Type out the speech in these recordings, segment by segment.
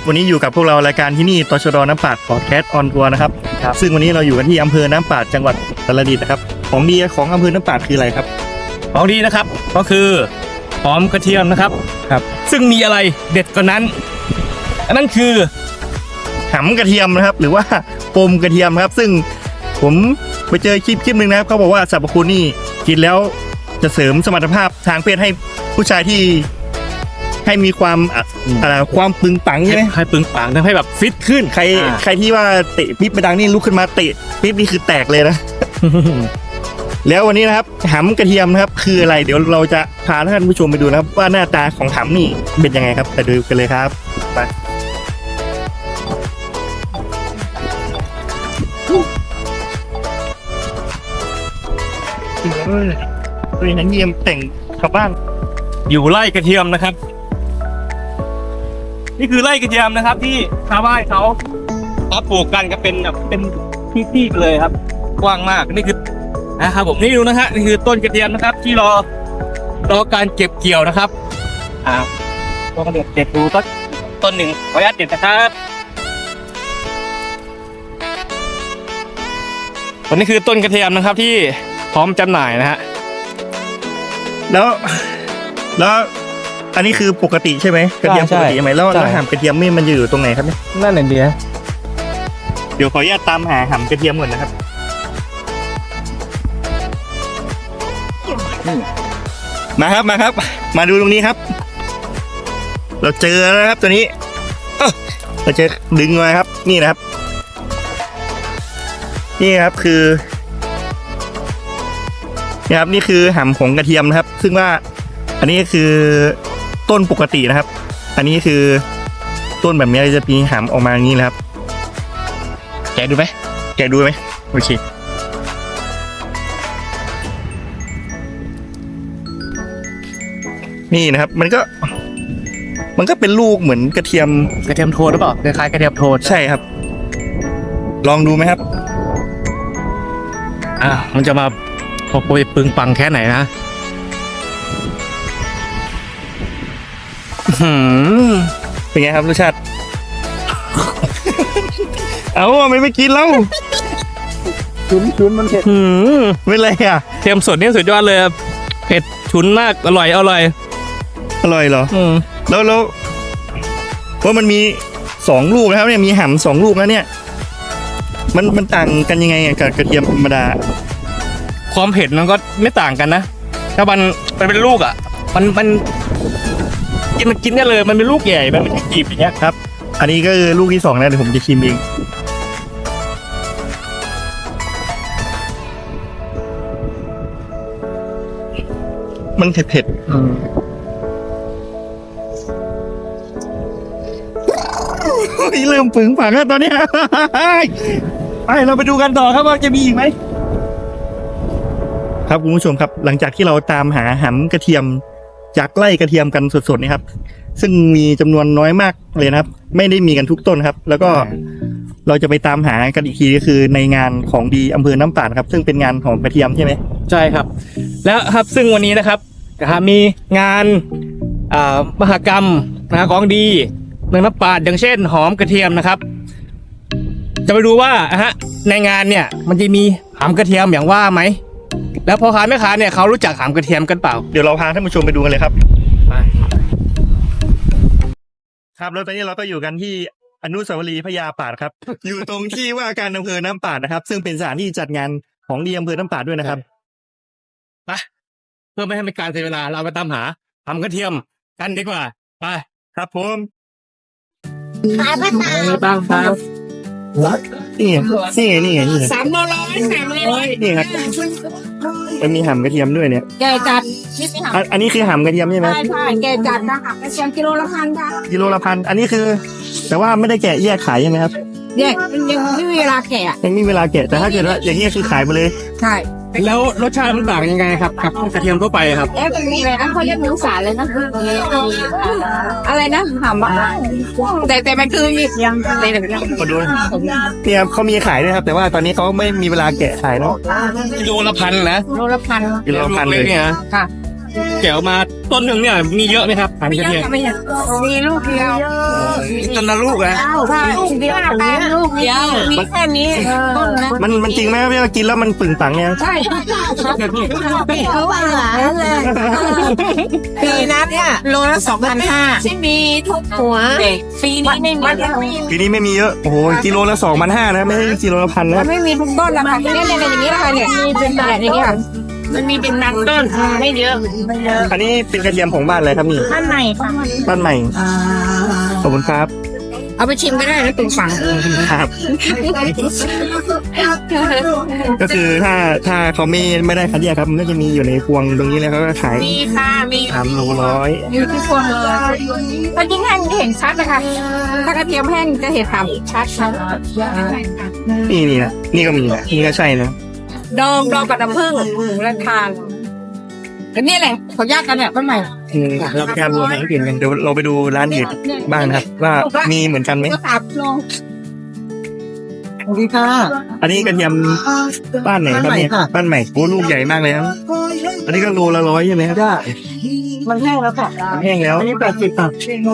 วันนี้อยู่กับพวกเรารายการที่นี่ตชดน้ำปาดพอดแคสต์ออนทัวร์นะครับซึ่งวันนี้เราอยู่กันที่อำเภอน้ำปาดจังหวัดอุตรดิตถ์นะครับของดีของอำเภอน้ำปาดคืออะไรครับของดีนะครับก็คือหอมกระเทียมนะครับซึ่งมีอะไรเด็ดกว่านั้นอันนั้นคือหำกระเทียมนะครับหรือว่าปมกระเทียมครับซึ่งผมไปเจอคลิปหนึ่งนะครับเขาบอกว่าสรรพคุณนี่กินแล้วจะเสริมสมรรถภาพทางเพศให้ผู้ชายที่ให้มีความความปึงปังใช่ไหมให้ปึงปังทำให้แบบฟิตขึ้นใครที่ว่าเตะปิ๊บไปดังนี่ลุกขึ้นมาเตะปิ๊บนี่คือแตกเลยนะ แล้ววันนี้นะครับหำกระเทียมนะครับคืออะไรเดี๋ยวเราจะพาท่านผู้ชมไปดูนะครับว่าหน้าตาของหำนี่เป็นยังไงครับไปดูกันเลยครับไปตัวนั้นเยี่ยมแต่งชาวบ้านอยู่ไร่กระเทียมนะครับนี่คือไร่กระเทียมนะครับที่ชาวบ้านเขาปลูกกันก็เป็นแบบเป็นที่ๆเลยครับกว้างมากนี่คือนะครับผมนี่ดูนะฮะนี่คือต้นกระเทียมนะครับที่รอการเก็บเกี่ยวนะครับก็กระเด็ดดูต้นหนึ่งขออนุญาตเด็ดนะครับตัวนี้คือต้นกระเทียมนะครับที่พร้อมจำหน่ายนะฮะแล้วอันนี้คือปกติใช่ไหมกระเทียมปกติใช่ไหมแล้วหำกระเทียมนี่มันอยู่ตรงไหนครับเนี่ยนั่นเองเดียเดี๋ยวขออนุญาตตามหาหำกระเทียมก่อนนะครับมาครับมาดูตรงนี้ครับเราเจอแล้วครับตัวนี้เราจะดึงมาครับนี่นะครับนี่ครับคือนี่ครับนี่คือหำของกระเทียมนะครับซึ่งว่าอันนี้คือต้นปกตินะครับอันนี้คือต้นแบบนี้จะมีหำออกมาอย่างนี้นะครับแกะดูไหมโอเคนี่นะครับมันก็เป็นลูกเหมือนกระเทียมโทนหรือเปล่าคล้ายๆกระเทียมโทนใช่ครับลองดูไหมครับมันจะมาพอปึงปังแค่ไหนนะเป็นไงครับรสชาติ เอาไม่กินแล้วชุนมันเผ็ดไม่เลยเทียมสดนี่สุดยอดเลยเผ็ดฉุนมากอร่อยเหรอแล้วว่ามันมี2ลูกนะครับเนี่ยมีหำ2ลูกแล้วเนี่ยมันต่างกันยังไงกับกระเทียมธรรมดาความเผ็ดมันก็ไม่ต่างกันนะถ้ามันเป็นลูกมันกินได้เลยมันเป็นลูกใหญ่มันไม่ใช่จีบอย่างเงี้ยครับอันนี้ก็คือลูกที่2นะเดี๋ยวผมจะชิมเองมันเผ็ดเริ่มปึงปังแล้วตอนนี้ไปเราไปดูกันต่อครับว่าจะมีอีกไหมครับคุณผู้ชมครับหลังจากที่เราตามหาหำกระเทียมจากไร่กระเทียมกันสดๆนี่ครับซึ่งมีจำนวนน้อยมากเลยนะครับไม่ได้มีกันทุกต้นครับแล้วก็เราจะไปตามหากันอีกทีก็คือในงานของดีอำเภอน้ำปาดครับซึ่งเป็นงานของกระเทียมใช่ไหมใช่ครับแล้วครับซึ่งวันนี้นะครับมีงานมหกรรมของดีเมืองน้ำปาดอย่างเช่นหอมกระเทียมนะครับจะไปดูว่าในงานเนี่ยมันจะมีหอมกระเทียมอย่างว่าไหมแล้วพ่อค้าแม่ค้าเนี่ยเขารู้จักหอมกระเทียมกันเปล่าเดี๋ยวเราพาท่านผู้ชมไปดูกันเลยครับครับแล้วตอนนี้เราก็อยู่กันที่อนุสาวรีย์พญาปาดครับ อยู่ตรงที่ว่าการอำเภอน้ำปาดนะครับซึ่งเป็นสถานที่จัดงานของดีอำเภอน้ำปาดด้วยนะครับไปเพื่อไม่ให้เป็นการเสียเวลาเราไปตามหาหอมกระเทียมกันดีกว่าไปครับผมขายประจำบ้างครับนี่ไง 300 นี่ครับมันมีหำกระเทียมด้วยเนี่ยแกจัดอันนี้คือหำกระเทียมใช่ไหมใช่แกจัดนะคะกระเทียมกิโลละ1,000ค่ะกิโลละ1,000อันนี้คือแต่ว่าไม่ได้แกะแยกขายใช่ไหมครับแยกยังไม่มีเวลาแกะยังมีเวลาแกะแต่ถ้าเกิดว่าอย่างนี้คือขายไปเลยใช่แล้วรสชาติมันต่างยังไงครับกับกระเทียมทั่วไปครับมันมีอะไรนะเขาเรียกมิวสารเลยนะอะไรนะหำแต่มันคือยังมาดูเนี่ยเขามีขายด้วยครับแต่ว่าตอนนี้เขาไม่มีเวลาแกะขายเนาะกิโลละ1,000นะโลละ1,000 เลยเนี่ยค่ะแก้วมาต้นหนึ่งเนี่ยมีเยอะไหมครับหางกระเทียมมีลูกเดียวต้นละลูกนะใช่ลูกเดียวลูกเดียวมีแค่นี้ต้นนะมันจริงไหมครับที่เรากินแล้วมันปึงปังเนี่ยใช่เขาว่าหลานเลยปีนั้นเนี่ยโลละ2,500ที่มีทุกหัวปีนี้ไม่มีปีนี้ไม่มีเยอะโอ้โหกิโลละ2,500นะไม่ใช่กิโลละ1,000นะครับไม่มีทุกต้นแล้วค่ะเนี่ยอย่างนี้นะคะเนี่ยมีเป็นแบบอย่างนี้ค่ะมันมีเป็นบางต้นไม่เยอะอันนี้เป็นกระเทียมของบ้านอะไรครับนี่ท่านไหนบ้านใหม่ขอบคุณครับเอาไปชิมก็ได้นะตุ่มฝังครับ ก็คือถ้าเขาไม่ได้คัดแยกครับมันก็จะมีอยู่ในพวงตรงนี้เลยเขาก็ขายมีค่ะมี 300 อยู่ที่พวงเลยถ้ายิ่งแห้งเห็นชัดนะคะถ้ากระเทียมแห้งจะเห็นถามชัดค่ะนี่นะนี่ก็มีนะนี่ก็ใช่นะดองกับน้ำผึ้งและทานก็นี่แหละเขายากกันเนี่ยต้นใหม่เราแค่รวมให้เปลี่ยนกันเดี๋ยวเราไปดูร้านอื่นบ้างนะครับ ว่ามีเหมือนกันไหมก็ตับลงสวัสดีค่ะอันนี้กระเทียมบ้านไหนครับเนี่ยบ้านใหม่ค่ะบ้านใหม่โอ้ลูกใหญ่มากเลยครับอันนี้ก็โลละ100ใช่ไหมครับได้มันแห้งแล้วค่ะแห้งแล้วอันนี้80 บาท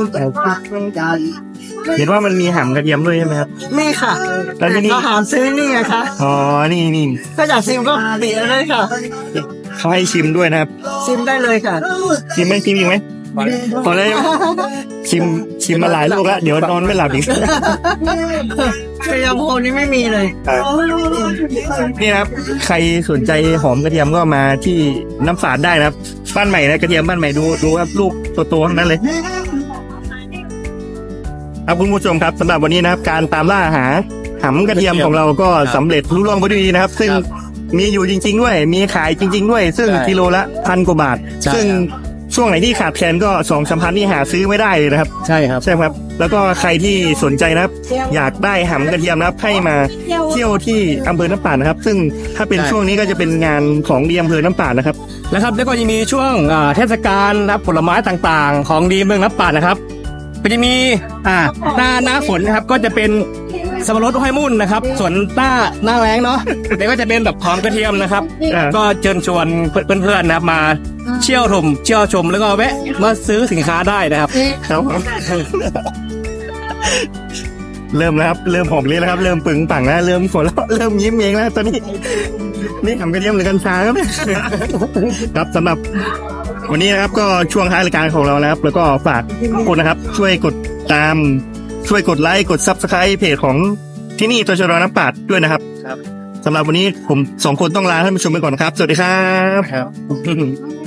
เห็นว่ามันมีหำกระเทียมด้วยใช่ไหมครับนี่ค่ะแล้วที่นี่เราหามซื้อนี่ไงคะอ๋อนี่ถ้าอยากชิมก็ติดเลยค่ะเขาให้ชิมด้วยนะครับชิมได้เลยค่ะชิมไหมชิมอีกไหมพอแล้วชิมมาหลายลูกแล้วเดี๋ยวนอนไม่หลับอีกกระยำโพนี่ไม่มีเลยนี่นะครับ ใครสนใจหอมกระเทียมก็มาที่น้ำฝาดได้นะครับบ้านใหม่นะกระเทียมบ้านใหม่ดูครับลูกโตๆทั้งนั้นเลยครับคุณผู้ชมครับสำหรับวันนี้นะครับ การตามล่าหาหำกระเทียมของเราก็สำเร็จรุ่ล่วงไปด้วยดีนะครับ ซึ่งมีอยู่จริง ๆ ด้วยมีขายจริง ๆ ด้วย ซึ่งกิโลละ1,000 กว่าบาท ซึ่งช่วงไหนที่ขาดแคลนก็2-3 พันนี่หาซื้อไม่ได้เลยนะครับใช่ครับใช่ครับ แล้วก็ใครที่สนใจนะครับ อยากได้หำกระเทียมนะครับให้มาเที่ยวที่อำเภอน้ำป่าดนะครับ ซึ่งถ้าเป็นใช่ช่วงนี้ก็จะเป็นงานของดีอำเภอน้ำป่าดนะครับแล้วครับแล้วก็ยังมีช่วงเทศกาลนะครับผลไม้ต่างๆ ของดีเมืองน้ำป่าดนะครับก็จะมีหน้าฝนนะครับก็จะเป็นสับปะรดห้อยมุ่นนะครับ ส่วนหน้าแล้งเนาะ เดี๋ยวก็จะเป็นแบบหอมกระเทียมนะครับอ่าก็เชิญชวนเพื่อนๆนะครับมาเที่ยวชมแล้วก็แวะมาซื้อสินค้าได้นะครับครับผม เริ่มแล้วครับเริ่มหอมเลยแล้วครับ เริ่มปึงปังแล้วเริ่มฝนแล้วเริ่มยิ้มเองแล้วตอนนี้นี่หำกระเทียมหรือกัญชาครับเนี่ย ครับสำหรับวันนี้นะครับ ก็ช่วงท้ายรายการของเราแล้วครับ แล้วก็ฝากทุกคนนะครับ ช่วยกดตาม ช่วยกดไลค์กด Subscribe เพจของที่นี่ตชดน้ำปาดด้วยนะครับสำหรับวันนี้ผม2 คนต้องลาท่านผู้ชมไปก่อนนะครับ สวัสดีครับ